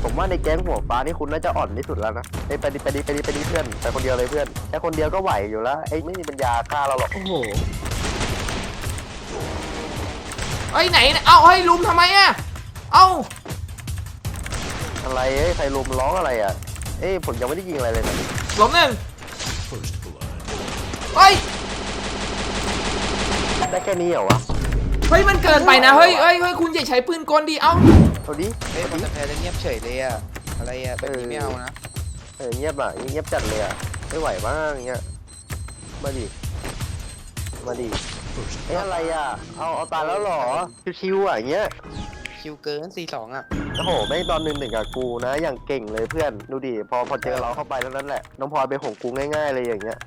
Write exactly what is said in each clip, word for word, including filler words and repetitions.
ผมว่าในแก๊งหัวฟ้านี่คุณน่าจะอ่อนที่สุดแล้วนะไอ้ไปดิไปดิไปดิไปดิเพื่อนไปคนเดียวเลยเพื่อนแค่คนเดียวก็ไหวอยู่แล้วไอ้ไม่มีปัญญาฆ่าเราหรอกโอ้โหเอ้ยไหนเอาเฮ้ยลุมทำไมอะเอ้าอะไรเอ้ยใครลุมร้องอะไรอ่ะเอ้ยผมยังไม่ได้ยิงอะไรเลยนะล้มหนึ่งเฮ้ยได้แค่นี้เหรอวะเฮ้ยมันเกินไปนะเฮ้ยเฮ้ยเฮ้ยคุณอย่าใช้ปืนกลดิเอ้าเอาดิเฮ้ยคนจะแพ้จะเงียบเฉยเลยอะอะไรอะแบบนี้ไม่เอานะเออเงียบอ่ะเงียบจัดเลยอ่ะไม่ไหวบ้างเงี้ยมาดิมาดิเอ้ยอะไรอ่ะเอาเอาตายแล้วหรอชิวๆอ่ะเงี้ยคิวเกินสี่สองอะโอ้โหไม่ตอนหนึ่งหนึ่งกับกูนะอย่างเก่งเลยเพื่อนดูดิพอพอเจอเราเข้าไปแล้วนั่นแหละน้องพลอยเป็นของกูง่ายๆเลยอย่างเงี้ย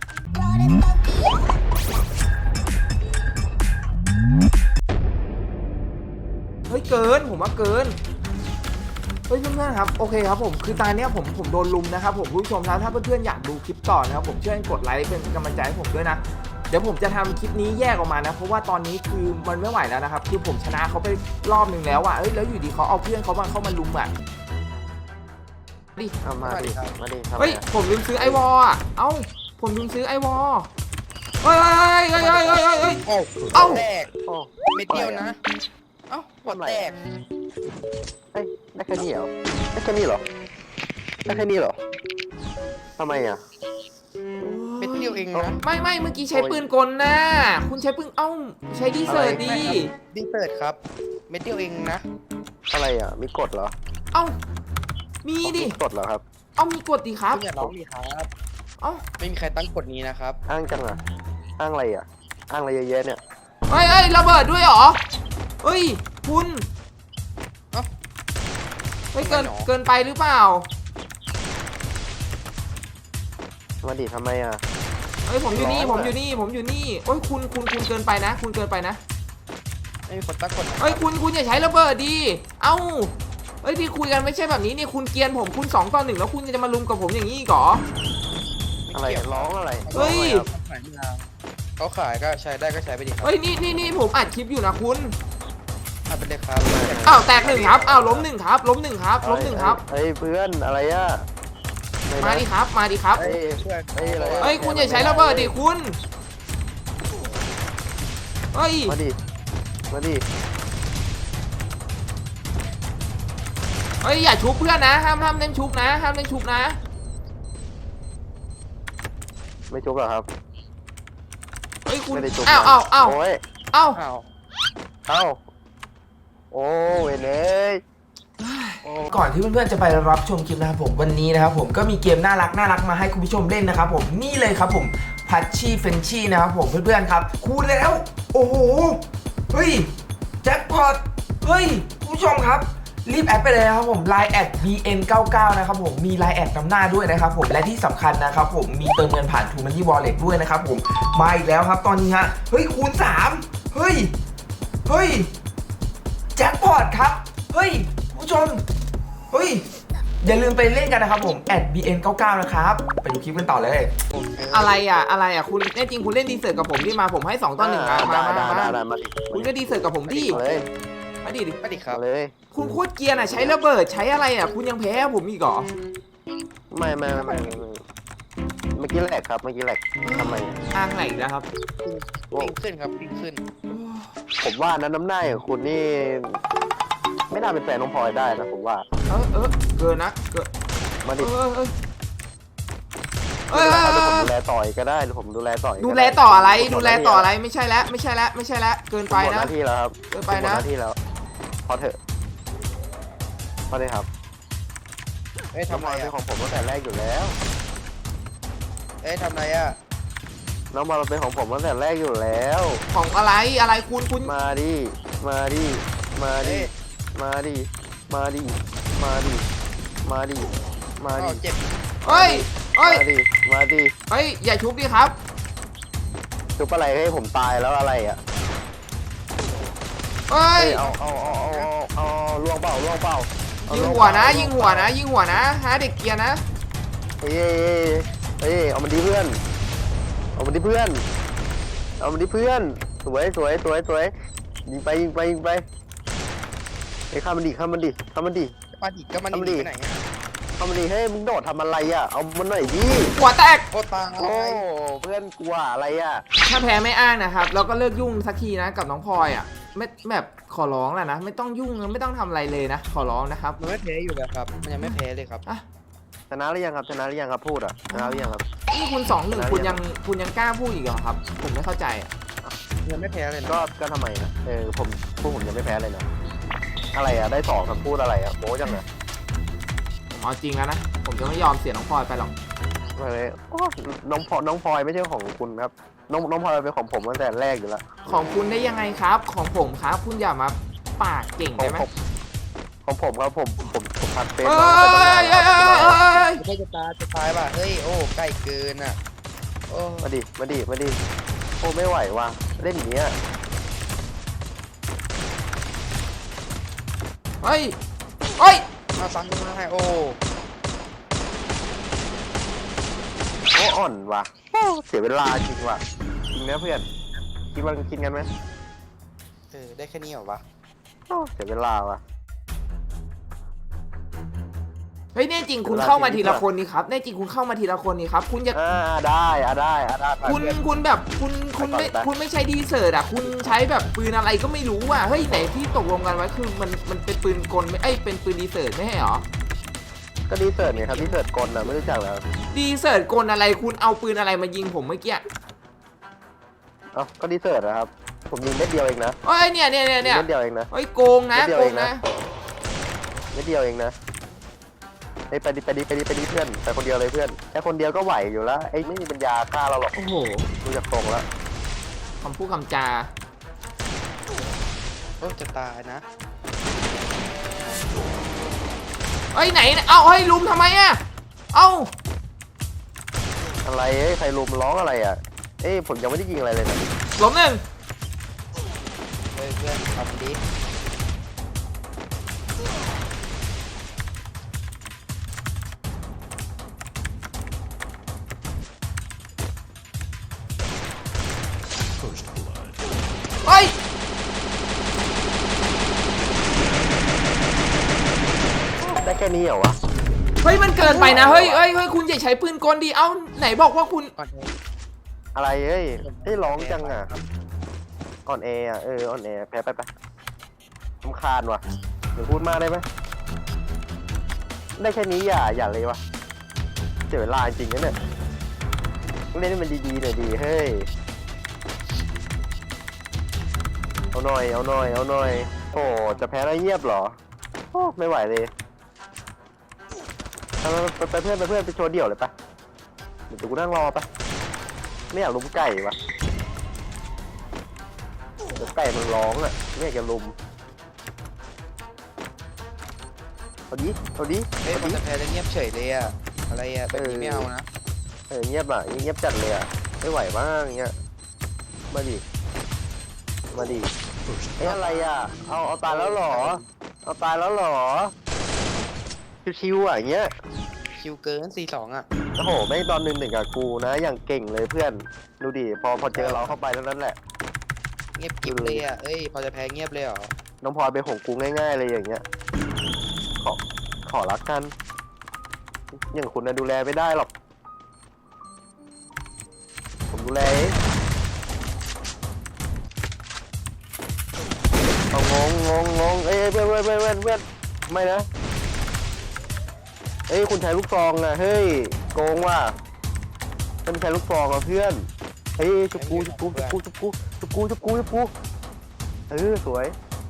เฮ้ยเกินผมว่าเกินเฮ้ยเพื่อนๆครับโอเคครับผมคือตอนนี้ผมผมโดนลุมนะครับผมผู้ชมนะถ้าเพื่อนๆอยากดูคลิปต่อนะครับผมช่วยกดไลค์เป็นกำลังใจให้ผมด้วยนะเดี๋ยวผมจะทำคลิปนี้แยกออกมานะเพราะว่าตอนนี้คือมันไม่ไหวแล้วนะครับคือผมชนะเขาไปรอบหนึ่งแล้วอ่ะเอ้ยแล้วอยู่ดีเขาเอาเพื่อนเขามาเข้ามาลุมอ่ะดิเอามาดิมาดิเฮ้ยผมลืมซื้อไอวอลอ่ะเอ้าผมลืมซื้อไอวอลเฮ้ยเฮ้ยเฮ้ยเฮ้ยเฮ้ยเฮ้ยโอ้เอ้าแตกโอ้เม็ดเดียวนะเอ้าหัวแตกเฮ้ยได้แค่นี้เหรอได้แค่นี้เหรอได้แค่นี้เหรอทำไมอ่ะเม็ดเดียวเองนะไม่ไม่เมื่อกี้ใช้ปืนกลนะคุณใช้ปืนเอ้าใช้ดีเซอร์ดีดีเปิดครับเม็ดเดียวเองนะอะไรอ่ะมีกฎเหรอเอ้ามีดิมีกฎเหรอครับเอ้ามีกดดิครับคุณอย่าร้องดีครับเอ้าไม่มีใครตั้งกฎนี้นะครับอ้างจังอ่ะอ้างอะไรอ่ะอ้างอะไรเยอะแยะเนี่ยเฮ้ยเฮ้ยระเบิดด้วยเหรอเฮ้ยคุณเอ้าเฮ้ยเกินทำไมหรอเกินไปหรือเปล่ามาดิทำไมอ่ะเฮ้ยผมอยู่นี่ร้ผอนมอะอยู่นี่ผมอยู่นี่เฮ้ยคุณคุณคุณเกินไปนะ คุณเกินไปนะไม่มีคนตั้งกฎนะเฮ้ยคุณคุณอย่าใช้ระเบิดดีเอ้าเฮ้ยที่คุยกันไม่ใช่แบบนี้นี่คุณเกรียนผมคุณสองต่อหนึ่งแล้วคุณจะมาลุมกับผมอย่างนี้อีกเหรออะไรร้องอะไรเฮ้ยเขาขายไม่เอาเขาขายก็ใช้ได้ก็ใช้ไปดิครับเฮ้ยนี่นี่นี่ผมอัดคลิปอยู่นะคุณเอาไปเลยครับอ้าวแตกหนึ่งครับอ้าวล้มหนึ่งครับล้มหนึ่งครับล้มหนึ่งครับเฮ้ยเพื่อนอะไรอ่ะมาดิครับมาดิครับเฮ้ยช่วยเฮ้ยอะไรเฮ้ยคุณอย่าใช้ระเบิดดิคุณเฮ้ยมาดิมาดิเฮ้ยอย่าชุบเพื่อนนะห้ามห้ามเล่นชุบนะห้ามเล่นชุบนะไม่จุบหรอครับเฮ้ยคุณไม่ได้จุบอ้าวอ้าวอ้าวโอ้ยอ้าวอ้าวเอ้าโอ้เว้ยเลยโอ้ก่อนที่เพื่อนๆจะไปรับชมคลิปนะครับผมวันนี้นะครับผมก็มีเกมน่ารักน่ารักมาให้คุณผู้ชมเล่นนะครับผมนี่เลยครับผมพัชชี่เฟนชี่นะครับผมเพื่อนๆครับคูณแล้วโอ้โหเฮ้ยแจ็คพอตเฮ้ยคุณผู้ชมครับรีบแอดไปเลยนะครับผม ไลน์ แอด บี เอ็น เก้าเก้า นะครับผมมี ไลน์ แอดนำหน้าด้วยนะครับผมและที่สำคัญนะครับผมมีเติมเงินผ่าน ทู มันนี่ Wallet ด้วยนะครับผมมาอีกแล้วครับตอนนี้ฮะเฮ้ยคูณสามเฮ้ยเฮ้ยแจ็คพอตครับเฮ้ยผู้ชมเฮ้ยอย่าลืมไปเล่นกันนะครับผม แอด บี เอ็น เก้าเก้า นะครับไปดูคลิปกันต่อเลยอะไรอ่ะอะไรอ่ะคุณแน่จริงคุณเล่นดีเซิร์ตกับผมที่มาผมให้สองต่อหนึ่งมามาได้มาได้มาได้มาดิคุณก็ดีเซิร์ตกับผมดิเลยมาดิดิไปดิครับเลยคุณโคตรเกรียร์อ่ะใช้ระเบิดใช้อะไรอ่ะคุณยังแพ้ผมอีกเหรอไม่ไม่ไม่ไม่เมื่อกี้แหลกครับเมื่อกี้แหลกทำไมอ้างไหนอีกนะครับปิ้งขึ้นครับปิ้งขึ้นผมว่านั้นน้ำหน้าของคุณนี่ ไม่น่าเป็นแฟนน้องพลอยได้นะผมว่าเออเออเกินนะเกินมาเอดิอเออเออเอเดี๋อยวผมดูแลต่อยก็ได้เดี๋ยวผมดูแลต่อยดูแลต่ออะไรดูแลต่ออะไรไม่ใช่แล้วไม่ใช่แล้วไม่ใช่แล้วเกินไปหมดหนะน้าที่แล้วครับเกินไปนะหมดหน้าที่แล้วพอเถอะพอเลยครับเอ้ยน้องทำพลไรอยเป็นอ่ะของผมตั้งแต่แรกอยู่แล้วเอ้ยทำไรอ่ะน้องบอลเป็นของผมตั้งแต่แรกอยู่แล้วของอะไรอะไรคุณคุณมาดิมาดิมาดิมาดิมาดิมาดิมาดิมาอ้าดิวเจ็บเฮ้ยเฮ้ยมาดิมาดิเฮ้ยอย่าชุบดิครับจุบอะไรให้ผมตายแล้วอะไรอ่ะเฮ้ยเอาเอาเอาเอาเอาเอาล่วงเปล่าล่วงเปล่าเอายิงล่หัวนะเปล่ายิงหัวนะยิงหัวนะหาเด็กเกียร์นะเฮ้ยเฮ้ยเอามันดิเพื่อนเอามันดิเพื่อนเอามันดิเพื่อนสวยสวยสวยสวยยิงไปยิงไปยิงไปไอ้ข้ามันดิข้ามันดิข้ามันดิมาดิก็มันหนีไปไหนอ่ะทำดีให้มึงโดดทำอะไรอ่ะเอามันหน่อยดิหัวแตกโอ้ตายโอ้เพื่อนกลัวอะไรอ่ะถ้าแพ้ไม่อ้างนะครับแล้วก็เลิกยุ่งสักทีนะกับน้องพลอยอ่ะไม่แบบขอร้องแหละนะไม่ต้องยุ่งไม่ต้องทำอะไรเลยนะขอร้องนะครับมันไม่แพ้อยู่แล้วครับมันยังไม่แพ้เลยครับอ่ะชนะหรือยังครับชนะหรือยังครับพูดอ่ะชนะหรือยังครับนี่คุณสองหนึ่งคุณยังคุณยังกล้าพูดอีกเหรอครับ ผมไม่เข้าใจอ่ะยังไม่แพ้เลยนะก็ก็ทำไมนะเออผมพูดผมยังไม่แพ้เลยนะอะไรอ่ะได้สองคำพูดอะไรอ่ะโม้จังเลยผมเอาจริงแล้วนะผมจะไม่ยอมเสียน้องพลอยไปหรอกอะไรโอ้น้องพลอยน้องพลอยไม่ใช่ของคุณครับน้องน้องพลอยเป็นของผมตั้งแต่แรกอยู่แล้วของคุณได้ยังไงครับ ของผมครับคุณอย่ามาปากเก่งของได้ไหมผมของผมครับผมผมผมทักเฟซเอ้น้องไปตั้งนานยแล้วเอ้ยเอ้ยเอ้ยไม่ใช่จะตายจะตายป่ะเฮ้ยโอ้ใกล้เกินอ่ะโอ้มาดิมาดิมาดิโอ้ไม่ไหวว่ะเล่นอย่างเงี้ยเฮ้ยเฮ้ยมาฟังดูนะให้โอ้โอ้อ่อนว่ะโอ้เสียเวลาจริงว่ะจริงนะเพื่อนคิดว่ากินกันไหมเออได้แค่นี้เหรอวะโอ้เสียเวลาว่ะเฮ้ยแน่จริงคุณเข้ามาทีละคนนี่ครับแน่จริงคุณเข้ามาทีละคนนี่ครับคุณอย่าอ่าได้อ่ะได้อ่ะได้ไปคุณเพื่อนคุณแบบคุณคุณไม่ไปก่อนไปคุณไม่ใช้ดีเซอร์ตอ่ะคุณใช้แบบปืนอะไรก็ไม่รู้อ่ะเฮ้ยไหนที่ตกลงกันไว้คือมันมันเป็นปืนกลไม่เอ้ยเป็นปืนดีเซอร์ตไม่ใช่เหรอก็ดีเสิร์ตเนี่ยครับดีเสิร์ตกลนะไม่รู้จักแล้วดีเซอร์ตกลอะไรคุณเอาปืนอะไรมายิงผมเมื่อกี้เอ้าก็ดีเสิร์ตนะครับผมยิงเม็ดเดียวเองนะเอ้ยเนี่ยเนี่ยเนี่ยเนี่ยเม็ดเดียวเองนะเฮ้ยโกงนะนิดเดียวโกเอง งนะนะ เม็ดเดียวเองนะเฮ้ยไปดิไปดิไปดิไปดิเพื่อนไปคนเดียวเลยเพื่อนแค่คนเดียวก็ไหวอยู่แล้วไอ้ไม่มีปัญญาฆ่าเราหรอกโอ้โหดูจากตรงแล้วคำพูดคำจาโอ้จะตายนะเอ้ยไหนเอ้าเฮ้ยลุมทำไมอ่ะเอ้าอะไรเอ้ยใครลุมร้องอะไรอ่ะเอ้ยผมยังไม่ได้ยิงอะไรเลยนะล้มหนึ่งเฮ้ยเพื่อนทำดิเฮ้ยได้แค่นี้เหรอวะเฮ้ยมันเกินไปนะเฮ้ยเฮ้ยเฮ้ยคุณอย่าใช้ปืนกลดีเอ้าไหนบอกว่าคุณก่อนเลยอะไรเอ้ยได้ร้องจังอ่ะอ่อนแออ่ะเอออ่อนแอแพ้ไปไปรำคาญว่ะเดี๋ยวพูดมากได้ไหมได้แค่นี้อย่าอย่าเลยวะเสียเวลาจริงนะเนี่ยเล่นให้มันดีๆหน่อยดีเฮ้ยเอาหน่อยเอาหน่อยเอาหน่อยโอ้จะแพ้แล้วเงียบเหรอโอ้ไม่ไหวเลยเอาไปไปเพื่อนไปเพื่อนไปโชว์เดี่ยวเลยปะเดี๋ยวกูนั่งรอปะไม่อยากลุมไก่วะเดี๋ยวไก่มันร้องอ่ะไม่อยากจะลุมเอาดิเอาดิเฮ้ยเอามันดิจะแพ้แล้วเงียบเฉยเลยอ่ะอะไรอ่ะแบบนี้ไม่เอานะเออเงียบอ่ะเงียบจัดเลยอ่ะไม่ไหวบ้างเงี้ยมาดิมาดิเอ้ยอะไรอ่ะเอาเอาตายแล้วเหรอเอาตายแล้วเหรอชิวๆอ่ะอย่างเงี้ยคิวเกินสี่สองอ่ะโอ้โหไม่งตอนหนึ่งหนึ่งกับกูนะอย่างเก่งเลยเพื่อนดูดิพอพอเจอเราเข้าไปแล้วนั่นแหละเงียบกิ๊บเลยอ่ะเอ้ยพอจะแพ้เงียบเลยเหรอน้องพลอยเป็นของกูง่ายๆเลยอย่างเงี้ยขอขอรักกันอย่างคุณนะดูแลไม่ได้หรอกผมดูแลเองเอางงงงงงเอ้ยเพื่อนเพื่อนเพื่อนเพื่อนเพื่อนไม่นะเอ้ยคุณใช้ลูกซองอะเฮ้ยโกงว่ะมันใช้ลูกซองอะเพื่อนเฮ้ยจุบกูจุบกูจุบกูจุบกูจุบกูจุบกูจุบกูเออสวย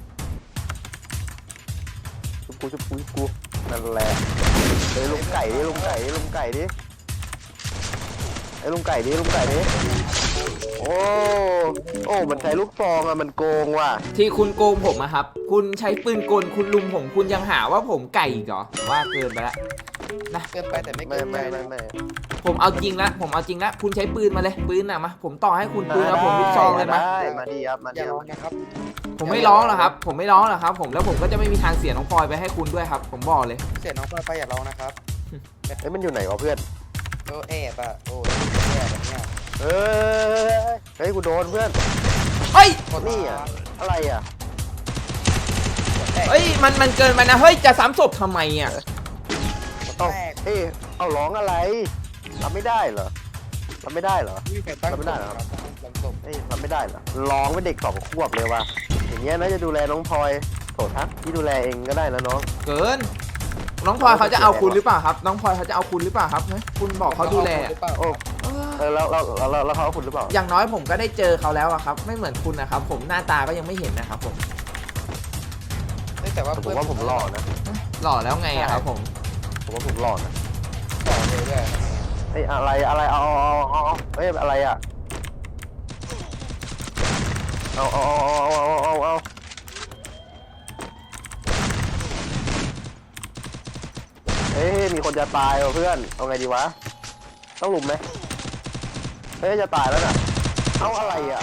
จุบกูจุบกูจุบกูนั่นแหละเฮ้ยลุงไก่ดิลุงไก่ดิลุงไก่ดิไอ้ลุงไก่ดิลุงไก่ดิโอ้โอ้มันใช้ลูกซองอะมันโกงว่ะที่คุณโกงผมอะครับคุณใช้ปืนกลคุณลุมผมคุณยังหาว่าผมไก่อีกเหรอว่าเกินไปละนะเกินไปแต่ไม่ไม่เกินไปไม่ไม่นะไม่ผมเอาจริงละผมเอาจริงละคุณใช้ปืนมาเลยปืนน่ะมาผมต่อให้คุณปืนแล้วผมลูกซองเลยมาได้มาดีครับมาอดีย่าคร้รัอบ งนะครับผมไม่ร้องหรอกครับ ผมไม่ร้องหรอกครับ ผมแล้วผมก็จะไม่มีทางเสียน้องพลอยไปให้คุณด้วยครับ ผมบอกเลยเสียน้องพลอยไปอย่าร้องนะครับเอ้ยมันอยู่ไหนวะเพื่อนโอ้แอบอ่ะโอ้แอบแบบเนี้ยเฮ้ยเฮ้ยกูโดนเพื่อนเฮ้ยโคตรนี่อะอะไรอ่ะเฮ้ยมันมันเกินไปนะเฮ้ยจะซ้ำศพทำไมอ่ะเอ้าเอ้ยเอาร้องอะไรทำไม่ได้เหรอทำไม่ได้เหรอไม่มีใครตั้งทำไม่ได้เหรอครับตั้งศพเอ้ยทำไม่ได้เหรอร้องเป็นเด็กสองขวบเลยว่ะอย่างเงี้ยน่าจะดูแลน้องพลอยโถทักที่ดูแลเองก็ได้นะน้องเกิน น้องพลอยเขาจะเอาคุณหรือเปล่าครับน้องพลอยเขาจะเอาคุณหรือเปล่าครับเฮ้ยคุณบอกเขาดูแลหรือเปล่าโอ้เออแล้วแล้วแล้วแล้วแล้วเขาเอาคุณหรือเปล่าอย่างน้อยผมก็ได้เจอเขาแล้วอะครับไม่เหมือนคุณนะครับผมหน้าตาก็ยังไม่เห็นนะครับผมเฮ้ยแต่ว่าผมว่าผมหล่อนะหล่อแล้วไงอะครับผมผมว่าผมหล่อนะหล่อเลยด้วยเอ้ยอะไรอะไรเอาเอาเอาเอาเอ้ยอะไรอ่ะเอาเอาเอาเอาเอาเอาเอาเอ้ยมีคนจะตายว่ะเพื่อนเอาไงดีวะต้องลุมไหมเฮ้ยจะตายแล้วน่ะเอาอะไรอ่ะ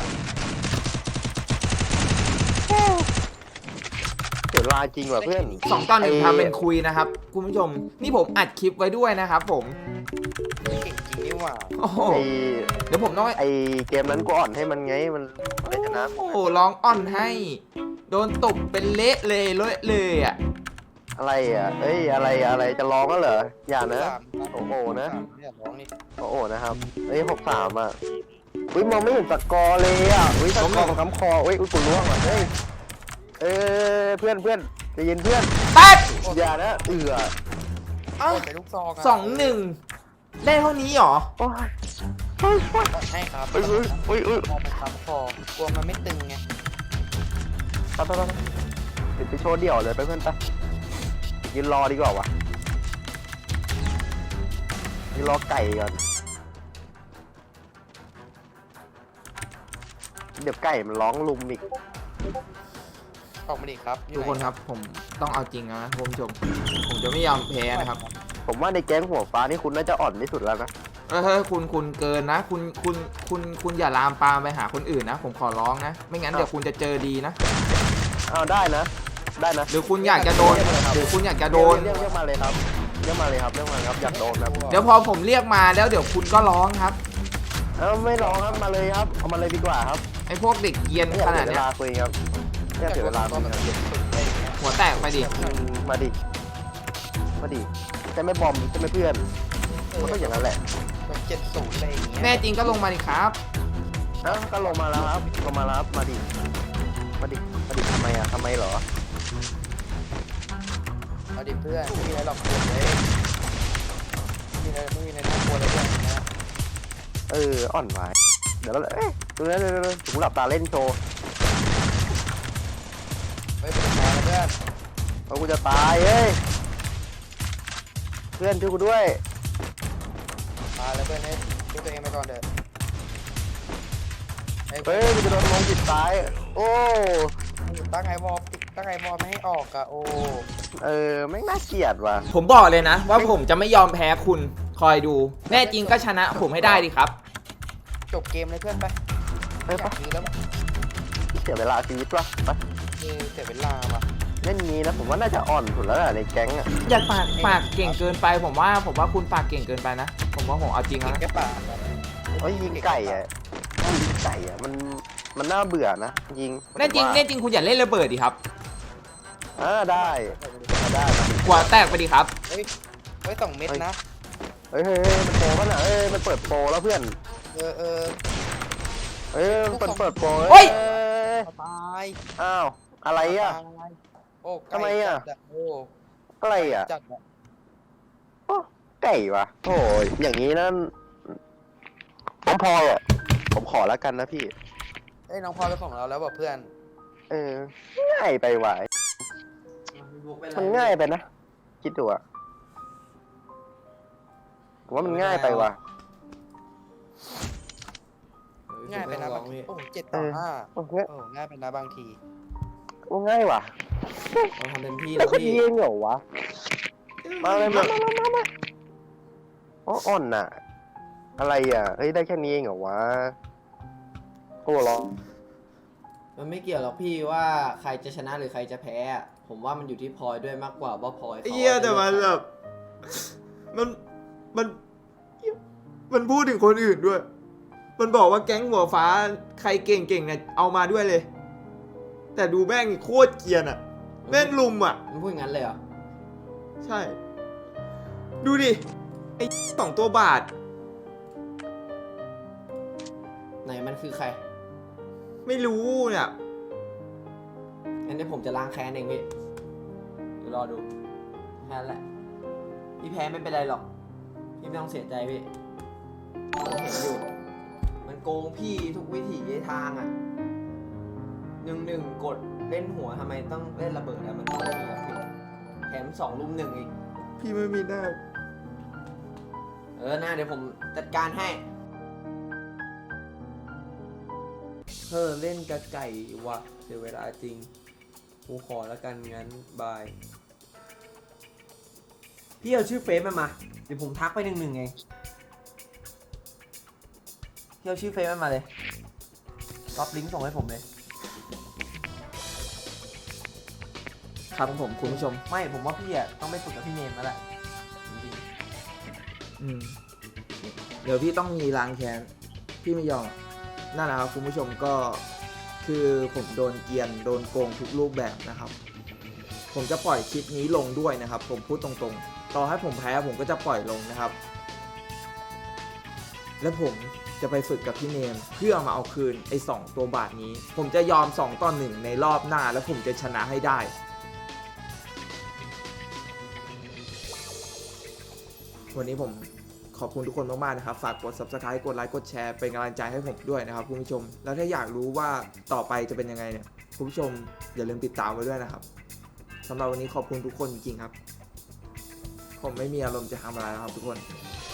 เสียเวลาจริงว่ะเพื่อนสองต่อหนึ่งไทำเป็นคุยนะครับคุณผู้ชมนี่ผมอัดคลิปไว้ด้วยนะครับผมเก่งจริงนี่หว่าโอ้โหไอเดี๋ยวผมต้องไอเกมนั้นกูอ่อนให้มันไงมันไม่ชนะโอ้โหร้องอ่อนให้ โดนตบเป็นเละเลยเละเลยอ่ะอะไรอ่ะเอ้ยอะไรอะไรจะร้องก็เหรออย่านะสามโอ้โหนะสามเนี่ยร้องนี่โอ้โหนะครับเอ้ยหกสามอ่ะอุ้ยมองไม่เห็นสกอร์เลยอ่ะอุ้ยสกอร์มันค้ำคออุ้ยอุ้ยกูล่วงว่ะเฮ้ยเอ้ยเพื่อนเพื่อนใจเย็นเพื่อนแป๊ดอย่านะเอือเอ้าใส่ลูกซองะสองหนึ่งได้เท่านี้เหรอโอ้ยโอ้ยโอ้ยให้ครับอุ้ยอุ้ยอุ้ยอุ้ยมองมันค้ำคอกลัวมันไม่ตึงไงไปไปไปเดี๋ยวไปโชว์เดี่ยวเลยไปเพื่อนไปยืนรอดีกว่าวะยืนรอไก่ก่อนเดี๋ยวไก่มันร้องลุมอีกออกมาดิครับอยู่ทุกคนไหครับผมต้องเอาจริงนะคุณผู้ชมผมจะไม่ยอมแพ้นะครับผมว่าในแก๊งหัวฟ้านี่คุณน่าจะอ่อนที่สุดแล้วนะเออเฮ้ยคุณคุณเกินนะ คุณคุณคุณคุณอย่าลามปามไปหาคนอื่นนะ ผมขอร้องนะ ไม่งั้นเดี๋ยวคุณจะเจอดีนะเอาได้นะ ได้นะหรือคุณอยากจะโดนหรือคุณอยากจะโดนเรียกเรียกมาเลยครับเรียกมาเลยครับเรียกมาเลยครับอยากโดนครับเดี๋ยวพอผมเรียกมาแล้วเดี๋ยวคุณก็ร้องครับเอาไม่ร้องครับมาเลยครับเอามาเลยดีกว่าครับไอ้พวกเด็กเกรียนไม่อยาขกนาเสีดยเวเนี้ยลาคุยครับไม่อยากเสียเวลาคุยครับหัวแตกไปดิอืมมาดิมาดิใช่ไหม่บอมใช่ไหมเพื่อนมันก็อย่างนั้นแหละแบบเจ็ดศูนย์อะไรอย่างเงี้ยแน่จริงก็ลงมาดิครับเอ้าก็ลงมาแล้วครับลงมาแล้วครับมาดิมาดิมาดิทำไมอ่ะทำไมเหรอเอาดิเพื่อนไม่มีอะไรหรอกเพื่อนเลยไม่มีอะไรไม่มีอะไรน่ากลัวเลยเพื่อนนะเอออ่อนไหวเดี๋ยวเราเอ๊ะดูนะดูนะดูนะถึงหลับตาเล่นโชว์เฮ้ยเป็นไงนะเพื่อนเพราะกูจะตายเฮ้ยเพื่อนช่วยกูด้วยมาแล้วเพื่อนให้ช่วยตัวเองไปก่อนเถอะไอ้เฮ้ยกูจะโดนลงจิตตายโอ้ตั้งไอวอลตั้งไอวอลไม่ให้ออกอะโอ้เออไม่งน่าเกลียดว่ะผมบอกเลยนะ ว่าผมจะไม่ยอมแพ้คุณคอยดู แน่จริงก็ชนะผมให้ได้ดิครับจบเกมเลยเพื่อนไปไปอยาปะกมีแล้วเสียเวลาชีวิตว่ะไปเออเสียเวลาว่ะเล่นนี้นะผมว่าน่าจะอ่อนสุดแล้วแหละในแก๊งอ่ะอย่าปากปากเก่งเกินไป ผมว่าผมว่าคุณปากเก่งเกินไปนะ ผมว่าผมเอาจริงเก่งแล้วนะแค่ปากเอ้ยยิงไก่อ่ะยิงไก่อ่ะมันมันน่าเบื่อนะยิงแน่จริงแน่จริงคุณอย่าเล่นระเบิดดิครับอ่าได้ได้นะหัวแตกไปดิครับเฮ้ยเฮ้ยสองเม็ดนะเฮ้ยเฮ้ยเฮ้ยมันโปรป่ะน่ะเอ้ยมันเปิดโปรแล้วเพื่อนเออเออเอ้ยมันเปิดเปิดโปรเฮ้ยอ้ยตายอ้าวอะไรอ่ะโอ้ทำไมอะโอ้อะไรอ่ะจัดอะโอ้ไก่วะโอ้ยอย่างนี้นั่นผมพออ่ะผมขอแล้วกันนะพี่เอ้ยน้องพลอยเป็นของเราแล้วบอกเพื่อนเออง่ายไปว่ะมันง่ายไปนะคิดดูอ่ะผมว่ามันง่ายไปว่ะง่ายไปนะบางทีโอ้เจ็ดต่อห้าโอ้ง่ายโอ้ง่ายไปนะบางทีโอ้ง่ายว่ะเราทำเต็มที่แล้แล้ว วก็พี่ยิงเหรอวะมาเลยมามามามามาอ๋ออ่อนน่ะ อะไรอ่ะเฮ้ยได้แค่นี้เองเหรอวะโอ้หรอมันไม่เกี่ยวหรอกพี่ว่าใครจะชนะหรือใครจะแพ้อะผมว่ามันอยู่ที่พลอยด้วยมากกว่าว่าพลอยขาเฮียแต่มันแบบมันมันมันพูดถึงคนอื่นด้วย มันบอกว่าแก๊งหัวฟ้าใครเก่งๆเนี่ยเอามาด้วยเลย แต่ดูแม่งโคตรเกรียนอะแม่งลุมอ่ะมันพูดอย่างนั้นเลยเหรอใช่ ดูดิ ไอ้สองตัวบาทไหนมันคือใครไม่รู้เนี่ยงั้นเดี๋ยวผมจะล้างแค้นเองพี่เดี๋ยวรอดูแค่นั้นแหละพี่แพ้ไม่เป็นไรหรอกพี่ไม่ต้องเสียใจพี่ผมเห็นอยู่มันโกงพี่ทุกวิถีทางอ่ะหนึ่งหนึ่งกดเล่นหัวทำไมต้องเล่นระเบิดอะมันไม่มีอะพี่แถมสองลุมหนึ่งอีกพี่ไม่มีหน้าเออหน้าเดี๋ยวผมจัดการให้เธอเล่นกระไก่วะเสียเวลาจริงกูขอแล้วกันงั้นบายพี่เอาชื่อเฟซมันมาเดี๋ยวผมทักไปหนึ่งหนึ่งไงพี่เอาชื่อเฟซมันมาเลยก๊อปลิงก์ส่งให้ผมเลยครับผมคุณผู้ชมไม่ผมว่าพี่อ่ะต้องไปฝึกกับพี่เนมแล้วแหละจริงอืม เดี๋ยวพี่ต้องมีล้างแค้น พี่ไม่ยอม นั่นแหละครับคุณผู้ชมก็คือผมโดนเกรียน โดนโกงทุกรูปแบบนะครับ ผมจะปล่อยคลิปนี้ลงด้วยนะครับ ผมพูดตรงๆ ต่อให้ผมแพ้ผมก็จะปล่อยลงนะครับ และผมจะไปฝึกกับพี่เนมเพื่อมาเอาคืนไอ้สองตัวบาทนี้ ผมจะยอมสองต่อหนึ่งในรอบหน้าแล้วผมจะชนะให้ได้ วันนี้ผมขอบคุณทุกคนมากๆนะครับ ฝากกด ซับสไครบ์ กดไลค์ กดแชร์ เป็นกำลังใจให้ผมด้วยนะครับคุณผู้ชม แล้วถ้าอยากรู้ว่าต่อไปจะเป็นยังไงเนี่ย คุณผู้ชมอย่าลืมติดตามไว้ด้วยนะครับสำหรับวันนี้ขอบคุณทุกคนจริงๆครับ ผมไม่มีอารมณ์จะทำอะไรแล้วครับทุกคน